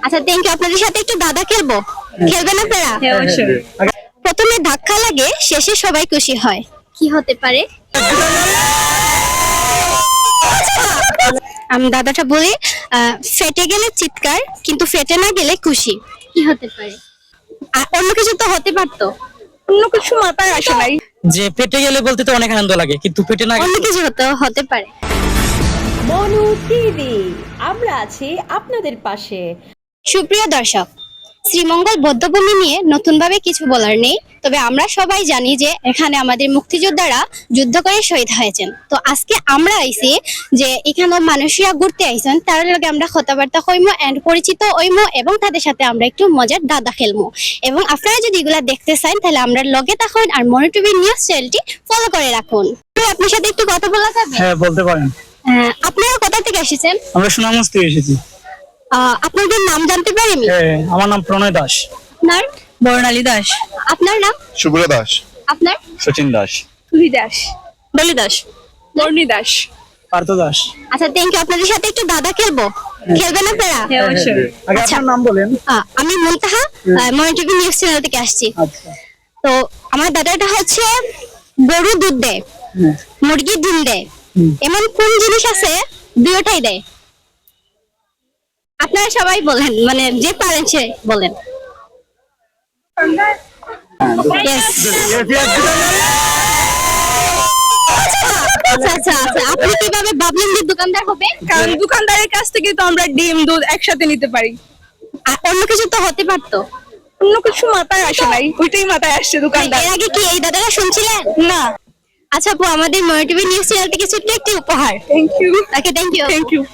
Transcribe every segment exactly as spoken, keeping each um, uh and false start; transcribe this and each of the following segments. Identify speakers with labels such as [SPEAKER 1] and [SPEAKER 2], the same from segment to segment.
[SPEAKER 1] আচ্ছা thank you. আপনাদের সাথে একটু দাদা খেলবো, খেলবেন আপনারা?
[SPEAKER 2] হ্যাঁ অবশ্যই।
[SPEAKER 1] প্রথমে ধাক্কা লাগে, শেষে সবাই খুশি হয়, কি হতে পারে? আমি দাদাটা বলি, আহ, ফেটে গেলে চিৎকার, কিন্তু ফেটে না গেলে খুশি, কি হতে পারে? আর অন্য কিছু তো হতে পারতো।
[SPEAKER 2] অন্য কিছু মাথায় আসে নাই।
[SPEAKER 3] যে পেটে গেলে বলতে তো অনেক আনন্দ লাগে, কিন্তু পেটে না
[SPEAKER 1] অন্য কিছু হতে হতে পারে।
[SPEAKER 4] মনু টিভি, আমরা আছি আপনাদের পাশে।
[SPEAKER 1] সুপ্রিয় দর্শক, শ্রীমঙ্গল বৌদ্ধভূমি নিয়ে নতুনভাবে কিছু বলার নেই, তবে আমরা সবাই জানি যে এখানে আমাদের মুক্তিযোদ্ধারা যুদ্ধ করে শহীদ হয়েছেন। তো আজকে আমরা আইছি যে এখানে মানুষরা ঘুরতে আইছেন, তার লগে আমরা কথাবার্তা হইমো এন্ড পরিচিত হইমো, এবং তাদের সাথে আমরা একটু মজার দাদা খেলবো। এবং আপনারা যদি এগুলা দেখতে চান তাহলে আমরা লগে থাকুন আর মনু টিভি নিউজ চ্যানেলটি ফলো করে রাখুন। আপনার সাথে একটু কথা বলা যাবে?
[SPEAKER 3] হ্যাঁ বলতে পারেন।
[SPEAKER 1] আহ, আপনারা কোথা থেকে এসেছেন?
[SPEAKER 3] আমরা সুনামগঞ্জ থেকে এসেছি।
[SPEAKER 1] আহ, আপনাদের নাম জানতে পারি আমি?
[SPEAKER 3] হ্যাঁ, আমার নাম প্রণয় দাস।
[SPEAKER 1] আপনার?
[SPEAKER 2] বর্ণালী দাস।
[SPEAKER 1] আপনার নাম?
[SPEAKER 5] শুভ্র দাস।
[SPEAKER 1] আপনার?
[SPEAKER 5] সচিন দাস।
[SPEAKER 2] তুলি দাস।
[SPEAKER 1] ডলি দাস।
[SPEAKER 2] বর্ণী দাস।
[SPEAKER 3] পার্থ দাস।
[SPEAKER 1] আচ্ছা থ্যাংক ইউ। আপনাদের সাথে একটু দাদা খেলবো, খেলবেন আপনারা?
[SPEAKER 2] হ্যাঁ অবশ্যই।
[SPEAKER 3] আগে
[SPEAKER 1] আচ্ছা।
[SPEAKER 3] আপনার নাম বলেন।
[SPEAKER 1] আহ, আমি Muntaha, Monu TV news channel থেকে আসছি।
[SPEAKER 3] আচ্ছা।
[SPEAKER 1] তো আমার দাদাটা হচ্ছে গরু দুধ দেয়,
[SPEAKER 3] হুম।
[SPEAKER 1] মুরগি ডিম দেয়,
[SPEAKER 3] হুম।
[SPEAKER 1] এমন কোন জিনিস আছে দুটোটাই দেয়? আপনারা সবাই বলেন, মানে যে পারেন সে বলেন। Yes. আচ্ছা আচ্ছা আচ্ছা, আপনি কিভাবে ভাবলেন যে দোকানদার হবে?
[SPEAKER 2] কারণ দোকানদারের কাছ থেকে তো আমরা ডিম দুধ একসাথে নিতে পারি।
[SPEAKER 1] আর অন্য কিছু তো হতে পারতো।
[SPEAKER 2] অন্য কিছু মাথায় আসে নাই, ওইটাই মাথায় আসছে দোকানদার।
[SPEAKER 1] এর আগে কি এই দাদারা শুনছিলেন?
[SPEAKER 2] না।
[SPEAKER 1] আচ্ছা আপু, আমাদের মনু টিভি নিউজ চ্যানেল থেকে ছোট্ট একটি উপহার।
[SPEAKER 2] Thank you.
[SPEAKER 1] Okay thank you.
[SPEAKER 2] Thank you.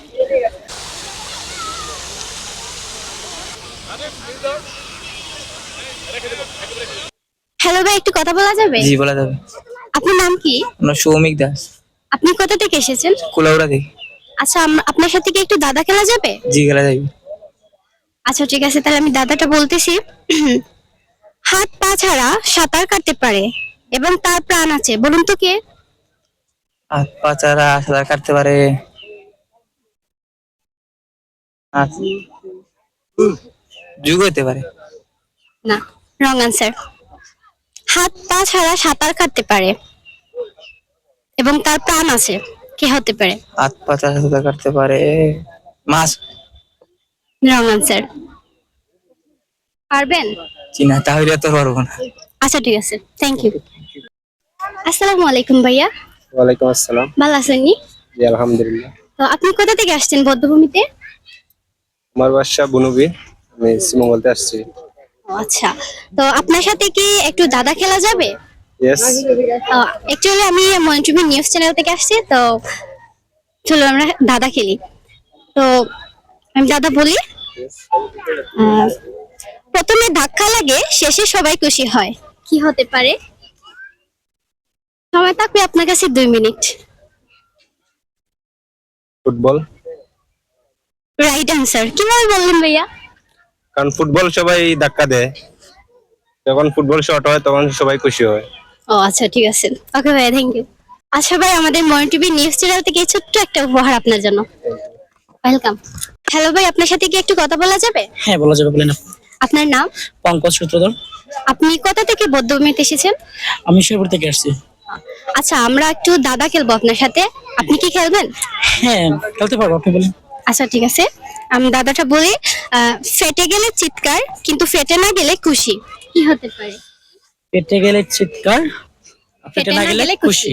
[SPEAKER 1] Hello ভাই, একটু কথা বলা যাবে?
[SPEAKER 6] জি বলা যাবে।
[SPEAKER 1] আপনার নাম কি?
[SPEAKER 6] আমরা সৌমিক দাস,
[SPEAKER 1] আপনি কোথা থেকে এসেছেন?
[SPEAKER 6] কুলাউড়া থেকে।
[SPEAKER 1] আচ্ছা আম- আপনার সাথে কি একটু দাদা খেলা যাবে?
[SPEAKER 6] জি খেলা যাবে।
[SPEAKER 1] আচ্ছা ঠিক আছে, তাহলে আমি দাদাটা বলতেছি। হাত পা ছাড়া সাঁতার কাটতে পারে এবং তার প্রাণ আছে, বলুন তো কে?
[SPEAKER 6] হাত পা ছাড়া সাঁতার কাটতে পারে। আচ্ছা। যুগ হতে পারে।
[SPEAKER 1] না, রং আনসার। হাত পা ছাড়া সাঁতার কাটতে পারে এবং তার প্রাণ আছে, কে হতে পারে?
[SPEAKER 6] হাত পা ছাড়া সাঁতার কাটতে পারে। মাছ।
[SPEAKER 1] Wrong answer. পারবেন?
[SPEAKER 6] জি না, তাহলে তো পারবো না।
[SPEAKER 1] আচ্ছা ঠিক আছে, থ্যাংক ইউ। আসসালামু আলাইকুম ভাইয়া,
[SPEAKER 5] ওয়ালাইকুম আসসালাম।
[SPEAKER 1] ভালো আছেন নি?
[SPEAKER 5] জি আলহামদুলিল্লাহ।
[SPEAKER 1] তো আপনি কোথা থেকে আসছেন বদ্ধভূমিতে?
[SPEAKER 5] আমার বাসা বুনুবি, আমি শ্রীমঙ্গলতে আসছি।
[SPEAKER 1] ও আচ্ছা, তো আপনার সাথে কি একটু দাদা খেলা যাবে?
[SPEAKER 5] ইয়েস।
[SPEAKER 1] অ্যাকচুয়ালি আমি মনু টিভি নিউজ চ্যানেল থেকে আসছি, তো চলো আমরা দাদা খেলি। তো আমি দাদা বলি, আহ, প্রথমে ধাক্কা লাগে, শেষে সবাই খুশি হয়, কি হতে পারে? সময় থাকবে আপনার কাছে দুই মিনিট।
[SPEAKER 5] ফুটবল।
[SPEAKER 1] Right answer. কিভাবে বললেন ভাইয়া?
[SPEAKER 5] কারণ ফুটবল সবাই ধাক্কা দেয়, যখন ফুটবল শট হয় তখন সবাই খুশি হয়।
[SPEAKER 1] ও আচ্ছা ঠিক আছে, ওকে ভাইয়া, থ্যাংক ইউ। আচ্ছা ভাই, আমাদের মনু টিভি নিউজ চ্যানেল থেকে ছোট্ট একটা উপহার আপনার জন্য। ওয়েলকাম। হ্যালো ভাই, আপনার সাথে কি একটু কথা বলা যাবে?
[SPEAKER 3] হ্যাঁ বলা যাবে, বলেন।
[SPEAKER 1] আপনার নাম?
[SPEAKER 3] পঙ্কজ সূত্রধর।
[SPEAKER 1] আপনি কোথা থেকে বদ্ধভূমিতে এসেছেন?
[SPEAKER 3] আমি শেরপুর থেকে আসছি।
[SPEAKER 1] আচ্ছা, আমরা একটু দাদা খেলবো আপনার সাথে, আপনি কি খেলবেন?
[SPEAKER 3] হ্যাঁ খেলতে পারবো, আপনি বলেন।
[SPEAKER 1] আচ্ছা ঠিক আছে, আমি দাদাটা বলি, আহ, ফেটে গেলে চিৎকার, কিন্তু ফেটে না গেলে খুশি, কি হতে পারে?
[SPEAKER 3] পেটে গেলে চিৎকার, পেটে না গেলে খুশি।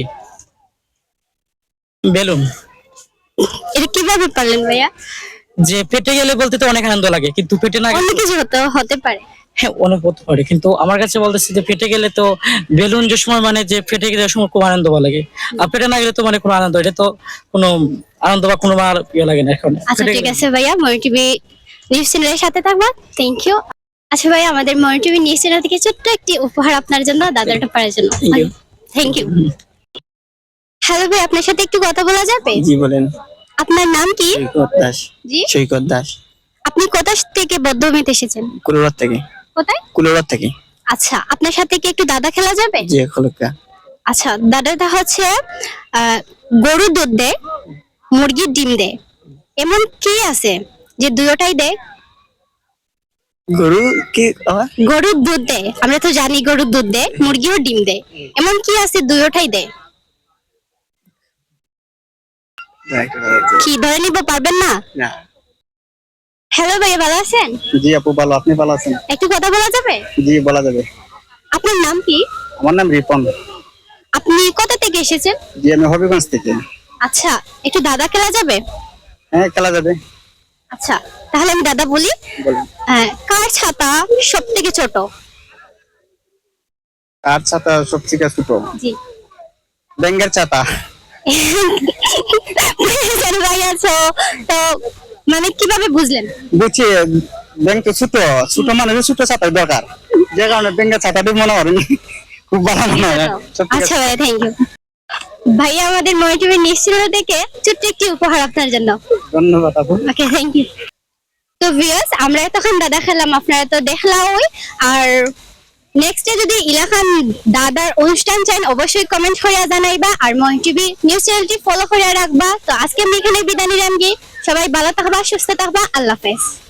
[SPEAKER 3] বেলুন।
[SPEAKER 1] এটা কিভাবে পারলেন ভাইয়া?
[SPEAKER 3] যে পেটে গেলে বলতে তো অনেক আনন্দ লাগে, কিন্তু পেটে না
[SPEAKER 1] অন্য
[SPEAKER 3] গেলে
[SPEAKER 1] কিছু হতে হতে পারে।
[SPEAKER 3] হ্যাঁ অনেক হতে পারে, কিন্তু আমার কাছে বলতেছি যে ফেটে গেলে তো বেলুন যে সময় মানে যে ফেটে গেলে সময় খুব আনন্দ ভালো লাগে, আর পেটে না গেলে তো মানে কোনো আনন্দ, এটা তো কোনো আনন্দ বা কোনো আর ইয়ে লাগে না এখন।
[SPEAKER 1] আচ্ছা ঠিক আছে ভাইয়া, মনু টিভি নিউজ চ্যানেলের সাথে থাকবা, থ্যাংক ইউ। আচ্ছা ভাইয়া, আমাদের মনু টিভি নিউজ চ্যানেল থেকে ছোট্ট একটি উপহার আপনার জন্য, দাদাটা পারার জন্য।
[SPEAKER 3] Thank you.
[SPEAKER 1] Thank you. Hello ভাই, আপনার সাথে একটু কথা বলা যাবে?
[SPEAKER 6] জি বলেন।
[SPEAKER 1] আপনার নাম কি?
[SPEAKER 6] সৈকত দাস।
[SPEAKER 1] জি,
[SPEAKER 6] সৈকত দাস।
[SPEAKER 1] আপনি কোথা থেকে বদ্ধভূমিতে এসেছেন?
[SPEAKER 6] কুলাউড়া থেকে।
[SPEAKER 1] কোথায়?
[SPEAKER 6] কুলাউড়া থেকে।
[SPEAKER 1] আচ্ছা, আপনার সাথে কি একটু দাদা খেলা যাবে?
[SPEAKER 6] জি খলকা।
[SPEAKER 1] আচ্ছা, দাদাটা হচ্ছে আহ, গরু দুধ দেয়, মুরগির ডিম দেয়, এমন কি আছে যে দুটোটাই দেয়?
[SPEAKER 6] গরু কি আবার?
[SPEAKER 1] গরুর দুধ দেয়, আমরা তো জানি গরুর দুধ দেয়, মুরগিও ডিম দেয়, এমন কি আছে দুইটাই দেয়? কি ধরে নিব, পারবেন না?
[SPEAKER 6] না।
[SPEAKER 1] হ্যালো ভাই, ভালো আছেন?
[SPEAKER 6] জি আপু ভালো, আপনি ভালো আছেন?
[SPEAKER 1] একটু কথা বলা যাবে?
[SPEAKER 6] জি বলা যাবে।
[SPEAKER 1] আপনার নাম কি?
[SPEAKER 6] আমার নাম রিপন।
[SPEAKER 1] আপনি কোথা থেকে এসেছেন?
[SPEAKER 6] জি আমি হবিগঞ্জ থেকে।
[SPEAKER 1] আচ্ছা, একটু দাদা খেলা যাবে?
[SPEAKER 6] হ্যাঁ খেলা যাবে।
[SPEAKER 1] আচ্ছা, তাহলে আমি দাদা বলি।
[SPEAKER 6] বলুন।
[SPEAKER 1] হ্যাঁ, কার ছাতা সব থেকে ছোট?
[SPEAKER 6] আর ছাতা সব থেকে ছোট?
[SPEAKER 1] জি।
[SPEAKER 6] ব্যাঙ্গের ছাতা।
[SPEAKER 1] বুঝেছেন ভাই, আছো তো মানে কিভাবে বুঝলেন?
[SPEAKER 6] বুঝছি, ব্যাংক তো ছোট, ছোট মানুষের ছোট ছাতার দরকার, যে কারণে ব্যাঙ্গের ছাতা দিয়ে মনে করেন খুব ভালো মনে হয়। সব থেকে
[SPEAKER 1] আচ্ছা ভাই, থ্যাংক ইউ। ভাইয়া আমাদের ময় টিভি নিশ্চিত থেকে ছোট্ট একটি উপহার আপনার জন্য।
[SPEAKER 6] ধন্যবাদ আপু।
[SPEAKER 1] Okay, thank you. তো ভিউয়ার্স, আমরা এতক্ষণ দাদা খেলাম, আপনারা তো দেখলামই। আর নেক্সটে যদি ইলাকান দাদার অনুষ্ঠান চান অবশ্যই কমেন্ট করিয়া জানাইবা, আর ময় টিভি নিউজ চ্যানেলটি ফলো করিয়া রাখবা। তো আজকে আমি এখানে বিদায় নিলাম, গিয়ে সবাই ভালো থাকবা, সুস্থ থাকবা, আল্লাহ হাফেজ।